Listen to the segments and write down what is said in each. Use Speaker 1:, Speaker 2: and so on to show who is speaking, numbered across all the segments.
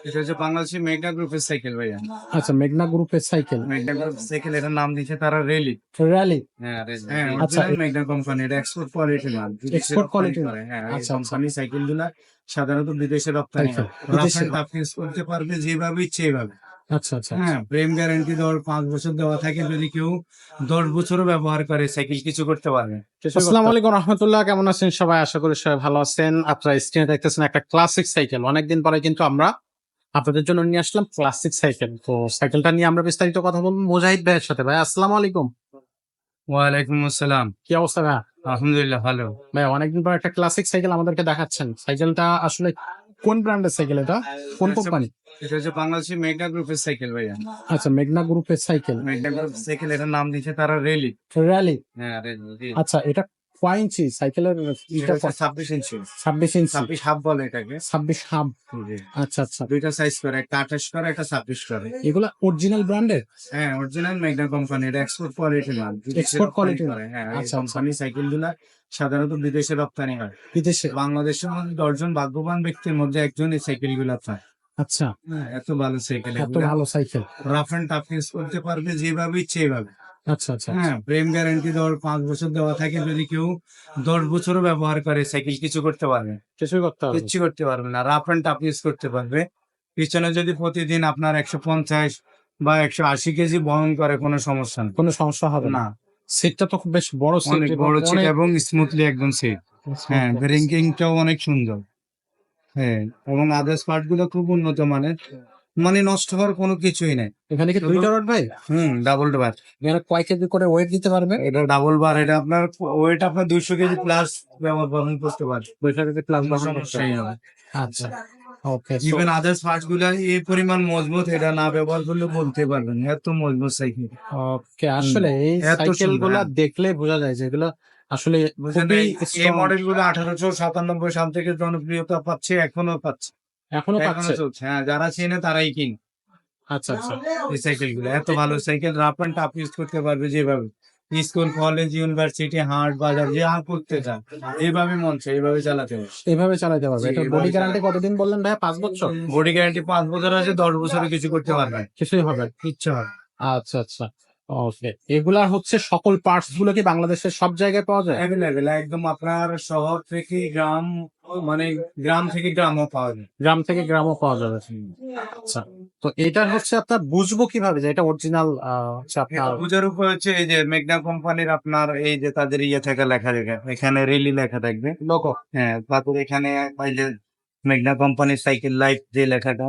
Speaker 1: এটা হচ্ছে বাংলাদেশি মেঘনা গ্রুপের সাইকেল ভাইয়া।
Speaker 2: আচ্ছা, মেঘনা গ্রুপের সাইকেল।
Speaker 1: মেঘনা গ্রুপ সাইকেল, এটার নাম দিয়েছে তারা রেলি।
Speaker 2: র‍্যালি।
Speaker 1: হ্যাঁ, রেলি। হ্যাঁ,
Speaker 2: আচ্ছা,
Speaker 1: অরিজিনাল মেঘনা কোম্পানি, এটা এক্সপোর্ট কোয়ালিটির মাল। বিদেশে
Speaker 2: এক্সপোর্ট
Speaker 1: রপ্তানি
Speaker 2: কোয়ালিটির।
Speaker 1: করে। হ্যাঁ, এই
Speaker 2: আচ্ছা, আচ্ছা।
Speaker 1: কোম্পানি সাইকেল গুলা সাধারণত বিদেশে রপ্তানি
Speaker 2: সাইকেল
Speaker 1: হয়। রাফ
Speaker 2: বিদেশে।
Speaker 1: এন্ড টাফ ইউজ করতে পারবে যেভাবে ইচ্ছে এইভাবে।
Speaker 2: আচ্ছা, আচ্ছা, আচ্ছা।
Speaker 1: হ্যাঁ, ফ্রেম গ্যারান্টি দেওয়ার ৫ বছর দেওয়া থাকে। যদি কেউ ১০ বছরও ব্যবহার করে সাইকেল কিছু করতে পারবে।
Speaker 2: আসসালামু আলাইকুম রাহমাতুল্লাহ। কেমন আছেন সবাই? আশা করি সবাই ভালো আছেন। আপনারা স্ক্রিনে দেখতেছেন একটা ক্লাসিক সাইকেল। অনেকদিন পরে কিন্তু আমরা আপনাদের জন্য নিয়ে আসলাম ক্লাসিক সাইকেল। তো সাইকেলটা নিয়ে আমরা বিস্তারিত কথা বলবো মুজাহিদ ভাইয়ের সাথে। ভাই আসসালামু আলাইকুম।
Speaker 1: ওয়ালাইকুম আসসালাম।
Speaker 2: কি অবস্থা ভাই?
Speaker 1: আলহামদুলিল্লাহ ভালো।
Speaker 2: ভাই অনেকদিন পর একটা ক্লাসিক সাইকেল আমাদেরকে দেখাচ্ছেন। সাইকেলটা আসলে কোন ব্র্যান্ডের সাইকেল এটা? কোন কোম্পানি?
Speaker 1: এটা হচ্ছে বাংলাদেশি মেঘনা গ্রুপের সাইকেল ভাইয়া।
Speaker 2: আচ্ছা, মেঘনা গ্রুপের সাইকেল।
Speaker 1: মেঘনা গ্রুপ সাইকেল, এটার নাম দিয়েছে তারা রেলি।
Speaker 2: র‍্যালি।
Speaker 1: হ্যাঁ, রেলি।
Speaker 2: আচ্ছা, এটা কয় ইঞ্চি সাইকেলের?
Speaker 1: এটা হচ্ছে ২৬ ইঞ্চি।
Speaker 2: ২৬ ইঞ্চি।
Speaker 1: ২৬ হাফ বলে এটাকে।
Speaker 2: ২৬ হাব।
Speaker 1: জি।
Speaker 2: আচ্ছা, আচ্ছা।
Speaker 1: দুইটা সাইজ করে, একটা ২৮ করে, একটা ২৬ করে।
Speaker 2: এগুলা অরিজিনাল ব্র্যান্ডের?
Speaker 1: হ্যাঁ, অরিজিনাল মেঘনা কোম্পানি, এটা এক্সপোর্ট কোয়ালিটির মাল। বিদেশে
Speaker 2: এক্সপোর্ট
Speaker 1: রপ্তানি
Speaker 2: কোয়ালিটির।
Speaker 1: করে। হ্যাঁ, এই
Speaker 2: আচ্ছা, আচ্ছা।
Speaker 1: কোম্পানি সাইকেল গুলা সাধারণত বিদেশে রপ্তানি হয়।
Speaker 2: বিদেশে।
Speaker 1: বাংলাদেশের মধ্যে ১০ জন ভাগ্যবান ব্যক্তির মধ্যে একজন এই সাইকেল গুলা পায়।
Speaker 2: আচ্ছা,
Speaker 1: হ্যাঁ, এত ভালো সাইকেল
Speaker 2: এত
Speaker 1: এগুলা।
Speaker 2: ভালো cycle.
Speaker 1: Rough and tough use করতে পারবে যেভাবে ইচ্ছে এইভাবে।
Speaker 2: আচ্ছা, আচ্ছা, আচ্ছা।
Speaker 1: হ্যাঁ, ফ্রেম গ্যারান্টি দেওয়ার ৫ বছর দেওয়া থাকে। যদি কেউ ১০ বছরও ব্যবহার করে সাইকেল কিছু করতে পারবে।
Speaker 2: কিছুই করতে হবে না।
Speaker 1: কিচ্ছু করতে পারবে না। রাফ এন্ড টাফ ইউজ করতে পারবে। পিছনে যদি প্রতিদিন আপনার ১৫০ বা ১৮০ কেজি বহন করে, কোনো সমস্যা নেই।
Speaker 2: কোনো সমস্যা হবে না।
Speaker 1: না,
Speaker 2: সিটটা তো খুব বেশ বড় সিট
Speaker 1: অনেক
Speaker 2: এবং
Speaker 1: বড় সিট
Speaker 2: অনেক
Speaker 1: এবং স্মুথলি একদম সিট। হ্যাঁ,
Speaker 2: স্মুথ।
Speaker 1: ব্রেকিংটাও অনেক সুন্দর। হ্যাঁ, এবং আদার্স পার্ট গুলো খুব উন্নত মানের। মানে নষ্ট হওয়ার কোনো কিছুই নাই।
Speaker 2: এখানে কি
Speaker 1: শুধু
Speaker 2: ২ টা রড ভাই?
Speaker 1: Double bar.
Speaker 2: এখানে কয় কেজি করে ওয়েট দিতে পারবে?
Speaker 1: এটা ডাবল বার। এটা আপনার ওয়েট আপনার ২০০ কেজি প্লাস বহন করতে পারবে।
Speaker 2: ২০০ কেজি প্লাস
Speaker 1: কোনো
Speaker 2: বহন করতে
Speaker 1: সমস্যাই
Speaker 2: হবে।
Speaker 1: হবে।
Speaker 2: আচ্ছা, okay. So
Speaker 1: even others parts গুলা এই পরিমাণ মজবুত, এটা না ব্যবহার করলে বলতে পারবেন না। এত মজবুত সাইকেল।
Speaker 2: ওকে, আসলে এই
Speaker 1: এত
Speaker 2: সাইকেল
Speaker 1: সুন্দর।
Speaker 2: গুলা
Speaker 1: হ্যাঁ,
Speaker 2: দেখলে বোঝা যায় যে এগুলো আসলে
Speaker 1: বুঝলেন,
Speaker 2: খুবই
Speaker 1: এই
Speaker 2: স্ট্রং।
Speaker 1: মডেল গুলো ১৮৯৭ সাল থেকে জনপ্রিয়তা পাচ্ছে, এখনো পাচ্ছে,
Speaker 2: এখনো
Speaker 1: এখনো
Speaker 2: পাচ্ছে।
Speaker 1: চলছে। হ্যাঁ, যারা চেনে তারাই কিনে
Speaker 2: আচ্ছা, আচ্ছা।
Speaker 1: এই সাইকেল গুলো। এত ভালো cycle, rough and tough use করতে পারবে যেভাবে। স্কুল, কলেজ, ইউনিভার্সিটি, হাট, বাজার যা করতে চান এইভাবে মন চায় এইভাবে চালাতে হবে।
Speaker 2: এভাবে চালাতে পারবে।
Speaker 1: জি,
Speaker 2: এটার বডি
Speaker 1: এভাবে
Speaker 2: গ্যারান্টি কতদিন বললেন ভাইয়া? ৫ বছর?
Speaker 1: বডি গ্যারান্টি ৫ বছর আছে, ১০ বছরে কিছু করতে পারবে না।
Speaker 2: কিছুই হবে না।
Speaker 1: কিচ্ছু হবে না।
Speaker 2: আচ্ছা, আচ্ছা। ওকে। এগুলার হচ্ছে সকল পার্টস গুলো কি বাংলাদেশের সব জায়গায় পাওয়া যায়?
Speaker 1: এভেলেবেল একদম, আপনার শহর থেকে গ্রাম, মানে গ্রাম থেকে গ্রামও পাওয়া যায়।
Speaker 2: গ্রাম থেকে গ্রামও পাওয়া যাবে। আচ্ছা। তো এটা হচ্ছে আপনার বুঝবো কিভাবে যে এটা অরিজিনাল হচ্ছে আপনার
Speaker 1: পূজার উপর হচ্ছে এই যে মেঘনা কোম্পানির আপনার এই যে তাদের ইয়ে থেকে লেখা থাকে, এখানে রেলি লেখা থাকবে।
Speaker 2: লোগো?
Speaker 1: হ্যাঁ, তারপর এখানে এই যে মেঘনা কোম্পানির সাইকেল লাইফ যে লেখাটা,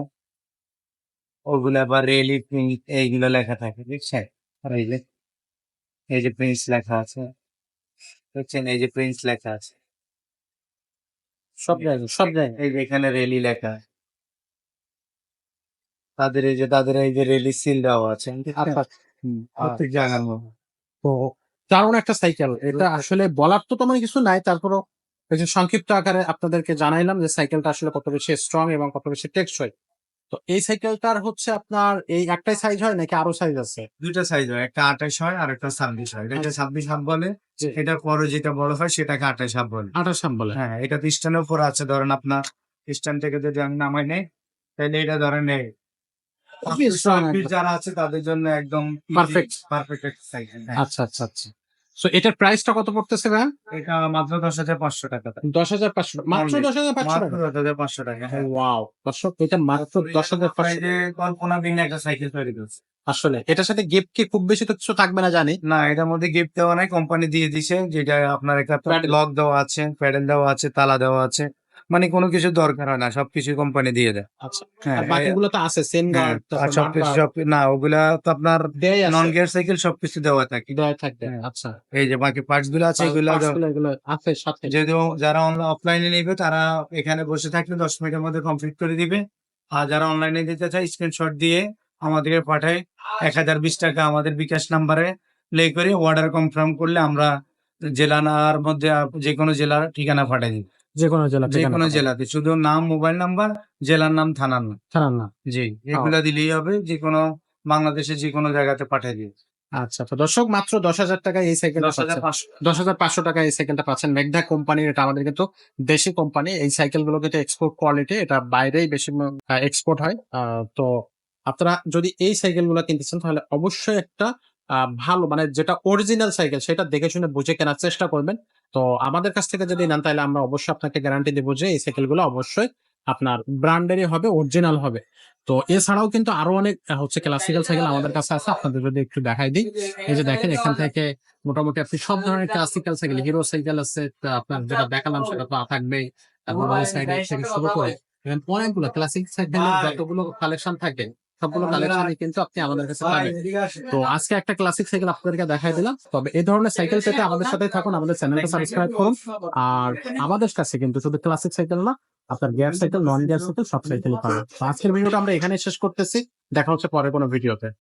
Speaker 1: ওগুলা আবার রেলি প্রিন্ট এইগুলো লেখা থাকে, বুঝছেন? আর এই যে প্রিন্স লেখা আছে, বুঝছেন? এই যে প্রিন্স লেখা আছে,
Speaker 2: সব জায়গায়, সব জায়গায়।
Speaker 1: এই যে এখানে রেলি লেখা, তাদের এই যে রেলি সিল দেওয়া আছে,
Speaker 2: আচ্ছা।
Speaker 1: প্রত্যেক জায়গার মতো।
Speaker 2: তো দারুণ একটা সাইকেল। এটা আসলে বলার তো তেমন কিছু নাই। তারপরেও এই যে সংক্ষিপ্ত আকারে আপনাদেরকে জানাইলাম যে সাইকেলটা আসলে কত বেশি স্ট্রং এবং কত বেশি টেকসই। তো এই সাইকেলটার হচ্ছে আপনার এই একটাই সাইজ হয় নাকি আরো সাইজ আছে?
Speaker 1: দুইটা সাইজ হয়, একটা ২৮ হয় আর একটা ২৬ হয়। এটাকে
Speaker 2: আচ্ছা।
Speaker 1: ২৬ হাফ বলে।
Speaker 2: জি।
Speaker 1: এটার পরে যেটা বড় হয় সেটাকে ২৮ হাফ বলে।
Speaker 2: ২৮ হাম বলে।
Speaker 1: হ্যাঁ, এটা তো স্ট্যান্ডের উপর আছে। ধরেন আপনার স্ট্যান্ড থেকে যদি আমি নামাই নেই, তাহলে এটা ধরেন এই
Speaker 2: খুবই স্ট্রং একটা।
Speaker 1: যারা আছে তাদের জন্য একদম
Speaker 2: পারফেক্ট।
Speaker 1: পারফেক্ট একটা সাইকেল। হ্যাঁ,
Speaker 2: আচ্ছা, আচ্ছা, আচ্ছা। সো এটার প্রাইসটা কত পড়তেছে ভাইয়া?
Speaker 1: এটা মাত্র ১০,৫০০ টাকা।
Speaker 2: ১০,৫০০ মাত্র
Speaker 1: Only
Speaker 2: ১০,৫০০
Speaker 1: মাত্র
Speaker 2: টাকা?
Speaker 1: ১০,৫০০ টাকা। হ্যাঁ,
Speaker 2: ওয়াও! দর্শক এটা মাত্র ১০,৫০০।
Speaker 1: এই যে কল্পনাবিহীন একটা সাইকেল তৈরি করছে।
Speaker 2: আসলে এটার সাথে গিফট কি খুব বেশি তো কিছু থাকবে না জানি।
Speaker 1: না, এটার মধ্যে গিফট দেওয়া নাই, কোম্পানি দিয়ে দিছে। যেটা আপনার একটা
Speaker 2: প্যাডেল।
Speaker 1: লক দেওয়া আছে, প্যাডেল দেওয়া আছে, তালা দেওয়া আছে। মানে কোনো কিছু দরকার হয় না, সবকিছু কোম্পানি দিয়ে দেয়।
Speaker 2: আচ্ছা।
Speaker 1: হ্যাঁ,
Speaker 2: আর বাকিগুলো তো আছে চেইন
Speaker 1: হ্যাঁ,
Speaker 2: গার্ড,
Speaker 1: আর
Speaker 2: তারপর মাড
Speaker 1: সবকিছু
Speaker 2: গার্ড
Speaker 1: না, ওগুলা তো আপনার
Speaker 2: দেয়াই
Speaker 1: নন
Speaker 2: আছে।
Speaker 1: গিয়ার সাইকেল সবকিছু দেওয়া থাকে।
Speaker 2: দেয়াই থাকবে।
Speaker 1: হ্যাঁ,
Speaker 2: আচ্ছা।
Speaker 1: এই যে বাকি পার্টস গুলো আছে এগুলা
Speaker 2: পার্টস গুলো এগুলো আছে সাথে।
Speaker 1: যদিও যারা অফলাইনে নিবে তারা এখানে বসে থাকলে ১০ মিনিটের মধ্যে কমপ্লিট করে দিবে। আর যারা অনলাইনে দিতে চায় স্ক্রিনশট দিয়ে আমাদেরকে পাঠায় ১,০২০ টাকা আমাদের বিকাশ নাম্বারে প্লে করে অর্ডার কনফার্ম করলে আমরা জেলার মধ্যে যেকোনো জেলার ঠিকানা পাঠাই দিই।
Speaker 2: যেকোনো জেলা ঠিকানা
Speaker 1: যেকোনো
Speaker 2: পাঠাবে।
Speaker 1: জেলাতে শুধু নাম, মোবাইল নাম্বার, জেলার নাম, থানার নাম।
Speaker 2: ছাড়ান না।
Speaker 1: জি,
Speaker 2: ও,
Speaker 1: এগুলা দিলেই হবে। যেকোনো বাংলাদেশের যেকোনো জায়গাতে পাঠিয়ে দিই।
Speaker 2: আচ্ছা, তো দর্শক মাত্র 10,000 টাকায় এই সাইকেলটা পাচ্ছেন।
Speaker 1: 10,500।
Speaker 2: 10,500 টাকায় এই সাইকেলটা পাচ্ছেন। মেঘনা কোম্পানির, এটা আমাদের কিন্তু দেশি কোম্পানি। এই সাইকেলগুলো কিন্তু এক্সপোর্ট কোয়ালিটি, এটা বাইরেই বেশি এক্সপোর্ট হয়। তো আপনারা যদি এই সাইকেলগুলো কিনতেছেন তাহলে অবশ্যই একটা ভালো মানে যেটা অরিজিনাল সাইকেল সেটা দেখে শুনে বুঝে কেনার চেষ্টা করবেন। তো আমাদের কাছ থেকে যদি নেন তাহলে আমরা অবশ্যই আপনাকে গ্যারান্টি দেব যে এই সাইকেলগুলো অবশ্যই আপনার ব্র্যান্ডেরই হবে, অরিজিনাল হবে। তো এছাড়াও কিন্তু আরো অনেক হচ্ছে ক্লাসিক্যাল সাইকেল আমাদের কাছে আছে, আপনাদের যদি একটু দেখাই দিই। এই যে দেখেন, এখান থেকে মোটামুটি আপনি সব ধরনের ক্লাসিক্যাল সাইকেল, হিরো সাইকেল আছে, তা আপনার যেটা দেখালাম সেটা তো থাকবেই। তারপর ওই সাইডে থেকে শুরু করে এখানে অনেকগুলো ক্লাসিক সাইকেলের যতগুলো কালেকশন থাকে সবগুলো কালেকশনই কিন্তু আপনি আমাদের কাছে পাবেন। তো আজকে একটা ক্লাসিক সাইকেল আপনাদেরকে দেখাই দিলাম। তবে এই ধরনের সাইকেল পেতে আমাদের সাথে থাকুন, আমাদের চ্যানেলটা সাবস্ক্রাইব করুন। আর আমাদের কাছে কিন্তু শুধু ক্লাসিক সাইকেল না, আপনার gear cycle, non gear cycle সব সাইকেলই পাবেন। তো আজকের ভিডিওটা আমরা এখানে শেষ করতেছি। দেখা হচ্ছে পরে কোনো ভিডিওতে।